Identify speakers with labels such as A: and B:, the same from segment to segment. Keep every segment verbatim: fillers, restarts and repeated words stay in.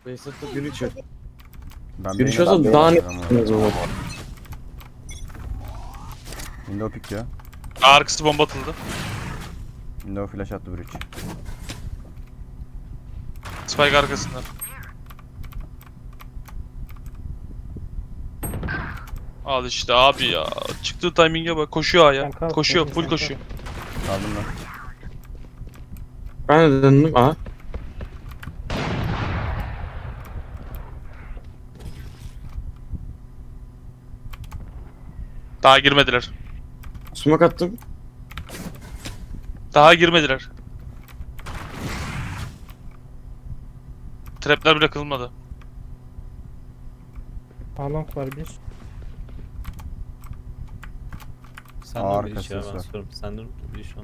A: Facebook'ta biri çök.
B: Ben
A: Biri
B: beyne
A: çözse
B: bakmıyorum
A: daha ne
B: ama.
A: yaptınız onu?
B: Window pick ya.
C: Arkası bomba atıldı.
B: Window flash attı bridge.
C: Spike arkasında. Al işte abi ya. Çıktığı timing'e bak. Koşuyor A'ya.
D: Sen kalk,
C: Koşuyor.
D: sen
C: Full
D: kalk.
C: koşuyor.
B: Aldım ben.
A: Ben de döndüm. Aha.
C: Daha girmediler.
A: Smoke attım.
C: Daha girmediler. Trapler bile kılmadı.
D: Along var bir.
E: Sen
B: Aa,
E: dur bir iş ya
B: arkası
E: ben
B: var.
E: sorayım. Sen dur bir iş on.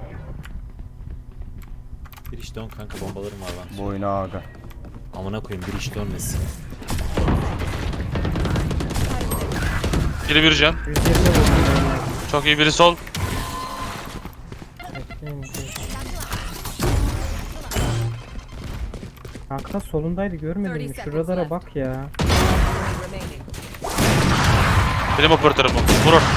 E: Bir iş dön kanka bombalarım var ben.
B: Bu oyunu aga.
E: Amına koyayım bir iş dönmesin.
C: Biri bir can.
D: yüz yirmi vurdum.
C: Çok iyi biri sol.
D: Bekleyin. bir. Kanka solundaydı görmedin mi? Şuralara bak ya.
F: remaining.
C: Benim operatörüm bu. Vurur.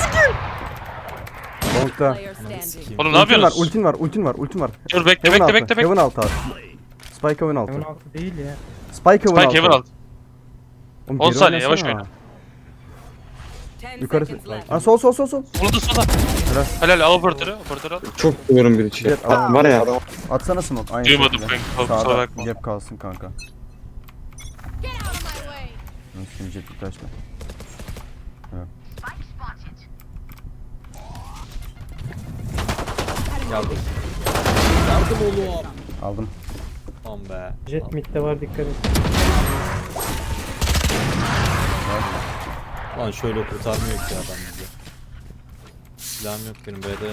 B: Long'da.
F: Player standing.
E: Sikeyim.
C: Oğlum ne
B: Ultin var,
C: yapıyorsunuz?
B: ultin var, ultin var, ultin var.
C: Dur bekle
B: Heaven
C: bekle
B: altı,
C: bekle bekle.
B: Heaven altı abi. Spike Heaven altı.
D: Heaven altı değil ya.
B: Spike Heaven altı.
C: Spike Heaven alt.
B: Oğlum,
C: on
B: geri
C: saniye, yavaş
B: oynasana.
C: oyna.
F: Ten
B: Yukarı.
F: seconds left.
B: Ha, sol sol sol sol.
C: Solda solda. Helal al operatörü. Operatörü al.
A: Çok seviyorum biri çek.
B: Jet, al.
A: Var ya.
B: Atsana smoke. Aynı
C: Duymadım
B: şekilde.
C: kanka. Kusura
B: Sağda
C: bakma.
B: gap kalsın kanka. Şimdi jet bir taşla.
E: Yardım. Yardım oğlum.
B: Aldım.
E: Tamam be.
D: Jet midde var dikkat et.
E: Lan şöyle kurtarmıyor ki adam bizi. Silahım yok benim B'de.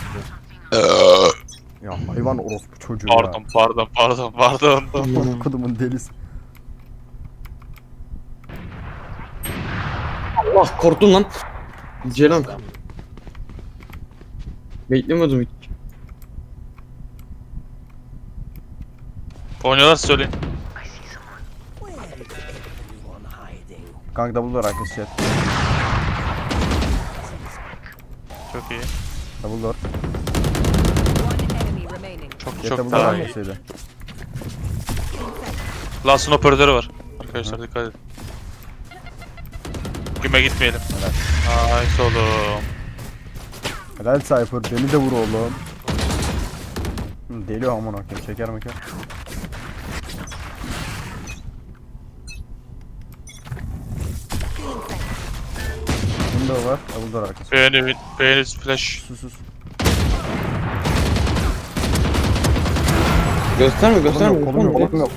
B: Ya hayvan orospu çocuğu ya.
C: Pardon pardon pardon pardon.
B: Aman kodumun delisi.
A: Allah korktum lan. Ceylan.
E: Tamam.
A: Beklemiyordum hiç.
C: Oynuyorlar söyleyin.
B: Kanka double door arkası jet.
C: Çok iyi.
B: Double door.
F: One enemy remaining.
C: Çok
B: Jet
C: çok
B: double door
C: daha iyi.
B: arkasıydı.
C: Last'ın operatörü var. Arkadaşlar dikkat edin. Güme gitmeyelim. Nice oğlum.
B: Helal Cypher beni de vur oğlum. Hı, Deli aman akım çeker meker. Window var, double door arkası.
C: Beğeni, beğeni flash.
B: Sus sus.
A: Gösterme gösterme.
B: Kolum yok, kolum yok, kolum yok.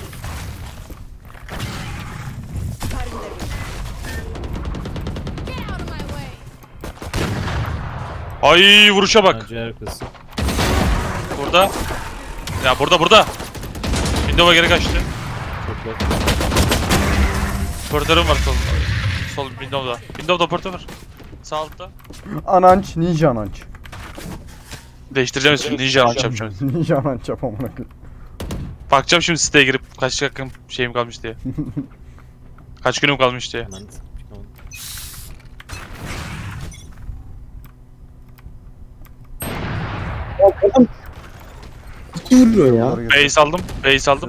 C: Ay vuruşa bak.
E: Bence arkası.
C: Burada. Ya burada burada. Windows'a geri kaçtı.
E: Çok yok.
C: Operatörüm var sol. Sol Windows'da. Windows'da operatör var. Sağ altta.
B: Ananç, ninja ananç.
C: Değiştireceğim ismini. Ninja launch yapacağım.
B: Ninja ananç yap amına koyayım.
C: Bakacağım şimdi siteye girip kaç dakikam şeyim kalmış diye. Kaç günüm kalmış diye.
E: Hemen çıkamadım.
A: Kim vuruyor ya?
B: Doğru götür.
C: Base aldım. Base aldım.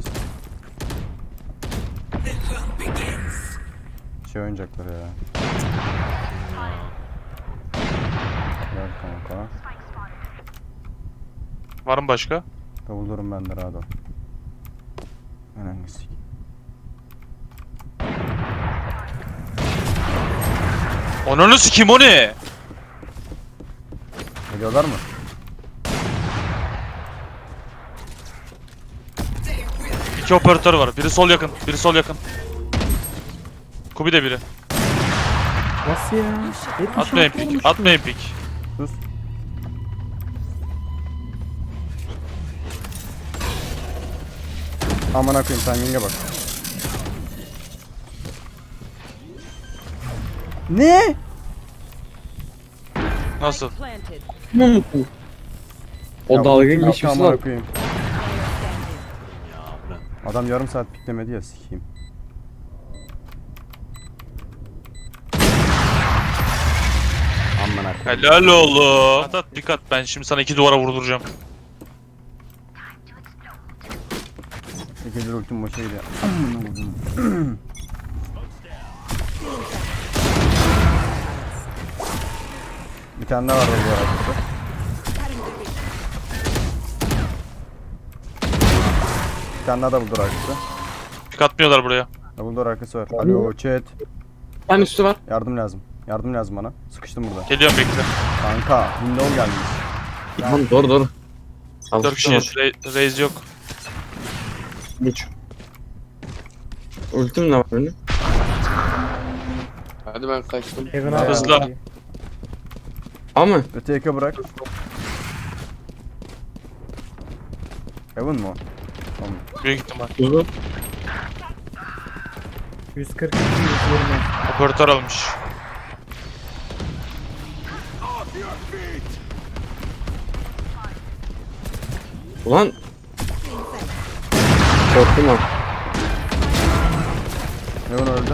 B: Şey oynayacaklar ya. Gel kanka.
C: Var mı başka?
B: Double door'um bende rahat ol. Önemli sik.
C: Ananı sikeyim o ne?
B: Geliyorlar mı?
C: İki operatör var. Biri sol yakın. Biri sol yakın. Kubi de biri.
D: Nasıl ya? yetmiş
C: Atmayın
D: altı
C: pik.
D: olmuş.
C: Atmayın pik.
B: Sus. Aman akıyım timing'e bak. Ne?
C: Nasıl?
F: Planted.
A: O
B: Ya,
A: dalga
B: ya,
A: geçmiş
B: aman
A: lan.
B: akıyım.
E: Ya bırak.
B: Adam yarım saat piklemedi ya sikeyim. Aman arkadaş.
C: Helal oğlum. At at dikkat, ben şimdi sana iki duvara vurduracağım.
B: İkinci ultim boşa gidiyor. Bir tane daha var orada arkada. Bir tane daha da buldur arkası.
C: Pik atmıyorlar buraya.
B: Buldur arkası var. Alo chat.
A: Bir tane üstü var.
B: Yardım lazım. Yardım lazım bana. Sıkıştım burada.
C: Geliyorum, bekle.
B: Kanka window gelmiş.
A: Tamam doğru doğru.
C: Dört kişiyiz. Re- Raze yok.
A: Geç. Ultim ne var benim? Hadi ben kaçtım.
D: Heaven'a
C: Hızlı.
D: bak.
A: Ama
B: Öte yaka bırak. Heaven mu? o? Tamam.
C: Büyük ihtimal.
A: hızlı.
D: yüz kırk iki yüz yirmi.
C: Operatör almış.
A: Ulan. Korktum lan.
B: Heaven öldü.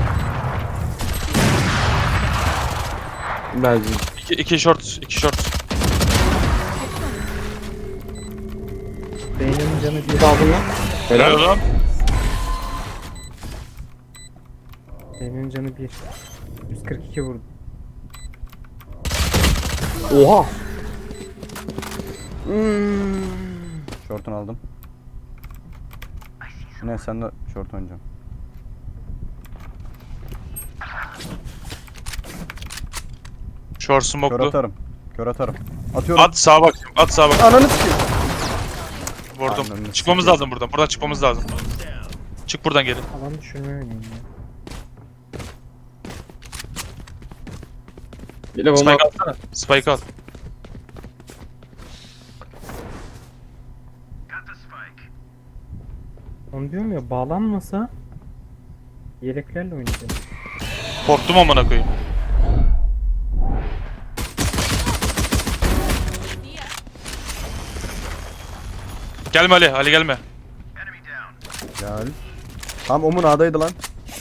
A: Belki.
C: İki, iki short, iki short.
D: Beynin canı bir.
A: Aldım lan.
C: Helal
A: Helal.
C: oğlum.
D: Beynin canı bir. yüz kırk iki vurdu.
A: Oha.
B: Short'unu aldım. Ne sen de short oynayacağım.
C: Short
B: Kör
C: smoke'lu.
B: atarım. Kör atarım. Atıyorum.
C: At sağa bak. At sağa bak.
B: Ananı sikeyim.
C: Vurdum.
B: Ananı
C: Çıkmamız
B: sikeyim.
C: lazım buradan. Buradan çıkmamız lazım. Çık buradan geri.
D: Alan düşürmeye oynayayım ya.
A: Bir de bomba.
C: Spike alsana. Spike al.
D: Onu diyorum ya, bağlanmasa yeleklerle oynayacağım.
C: Korktum amına koyayım. Gelme Ali. Ali gelme.
B: Gel. Tam Omun A'daydı lan.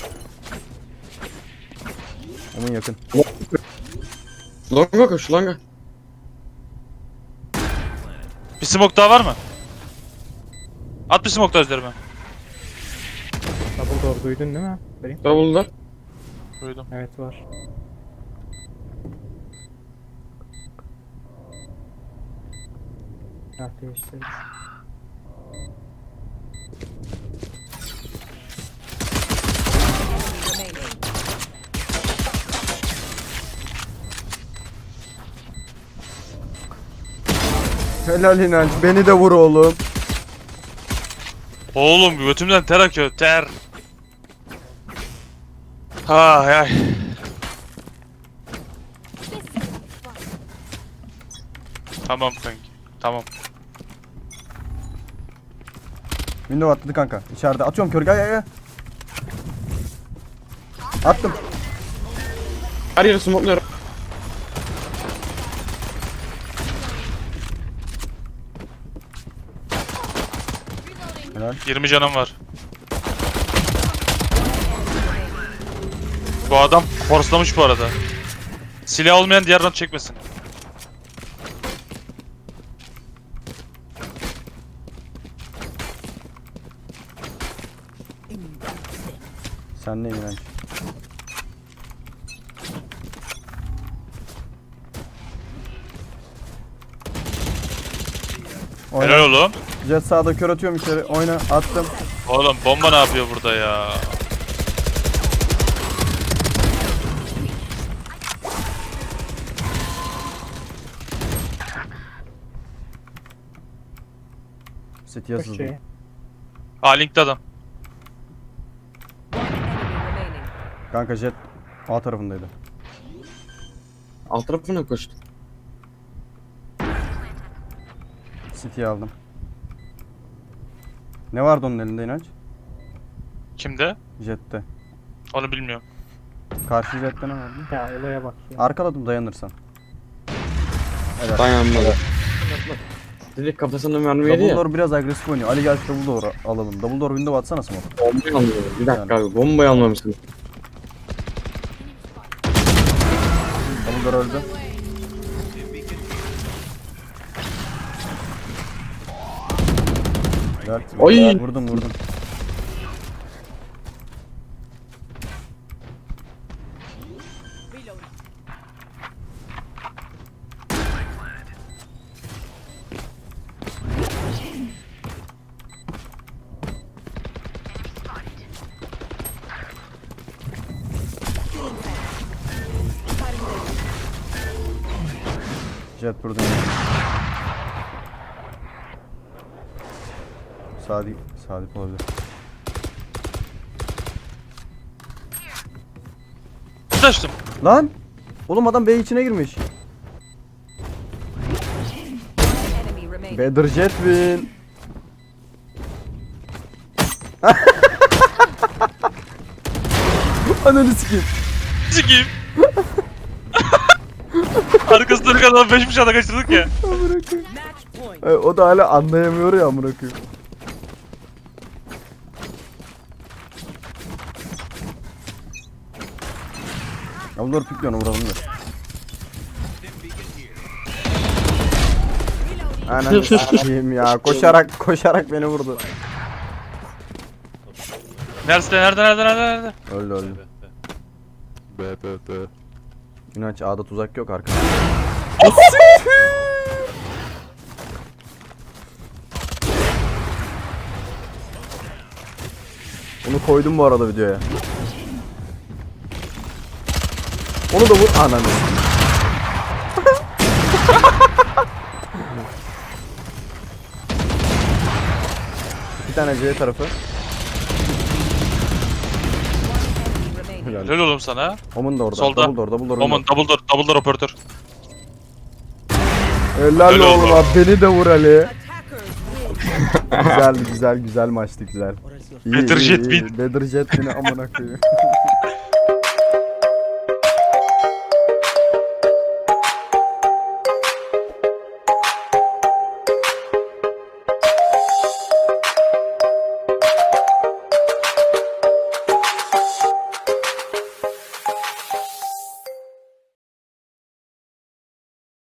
B: Omun yakın.
A: Longa koş longa.
C: Bir smoke daha var mı? At bir smoke daha üzerime.
D: Double door duydun değil mi? Vereyim.
A: Double'lar.
C: Duydum.
D: Evet var. Ah değiştirdim.
F: Remaining.
B: Helal inanç. Beni de vur oğlum.
C: Oğlum götümden ter akıyor. Ter. Ay ay. Tamam kanki. Tamam.
B: Window atladı kanka. İçeride. Atıyorum kör. Gel gel gel. Attım.
A: Her yeri smokluyorum.
B: Helal.
C: yirmi canım var. Bu adam forslamış bu arada. Silah olmayan diğer round çekmesin.
B: Sen ne inanç? Oyna.
C: Helal oğlum.
B: Jet sağda kör atıyorum içeri. Oyna. Attım.
C: Oğlum bomba ne yapıyor burada ya?
B: City yazıldı.
D: Şey.
C: Aa linkte adam.
F: One enemy remaining.
B: Kanka jet A tarafındaydı.
A: Alt tarafına koştu.
B: City'yi aldım. Ne vardı onun elinde inanç?
C: Kimde?
B: Jet'te.
C: Onu bilmiyorum.
B: Karşı jette ne vardı?
D: Ya olaya bak ya.
B: Arkaladım dayanırsan. Evet.
A: Dayanmadı. Direkt kafasına mermi yedi ya.
B: Dumbledore biraz agresif oynuyor. Ali gel Dumbledore alalım. Dumbledore window atsana smoke.
A: Bombayı almıyorum. Bir dakika abi bombayı almamışsın.
B: Dumbledore öldü. Gel.
A: Oy!
B: Vurdum vurdum. Jet burada. Sadık, Sadık olabilir.
C: Açtım.
B: Lan! Oğlum adam B içine girmiş.
F: Enemy remaining.
B: Better Jet win. Ananı sikeyim.
C: Sikiyim. Arkasından kadar beş bıçağı da kaçırdık ya.
B: Amına koyayım.
F: Match point.
B: E, o da hala anlayamıyor ya amına koyayım. Ya bunları pikliyor onu vuralım da. Ananı sikeyim ya. Koşarak koşarak beni vurdu.
C: Nerede nerede nerede nerede nerede?
B: Öldü öldü.
E: B B B.
B: İnanç A'da tuzak yok arkada. Onu koydum bu arada videoya. Onu da vur ananı. İki tane C tarafı.
F: Remaining.
B: Helal.
C: Helal oğlum sana.
B: Omun da orada.
C: Solda.
B: Double door, double door.
C: Oman double door double door operatör.
B: Helal
C: Helal
B: oğlum
C: olsun.
B: abi, beni de vur Ali.
F: Attackers win.
B: Güzel güzel güzel maçtı güzel. İyi,
C: Better
B: iyi,
C: Jet
B: iyi.
C: win.
B: Better Jet win'i amına koyayım.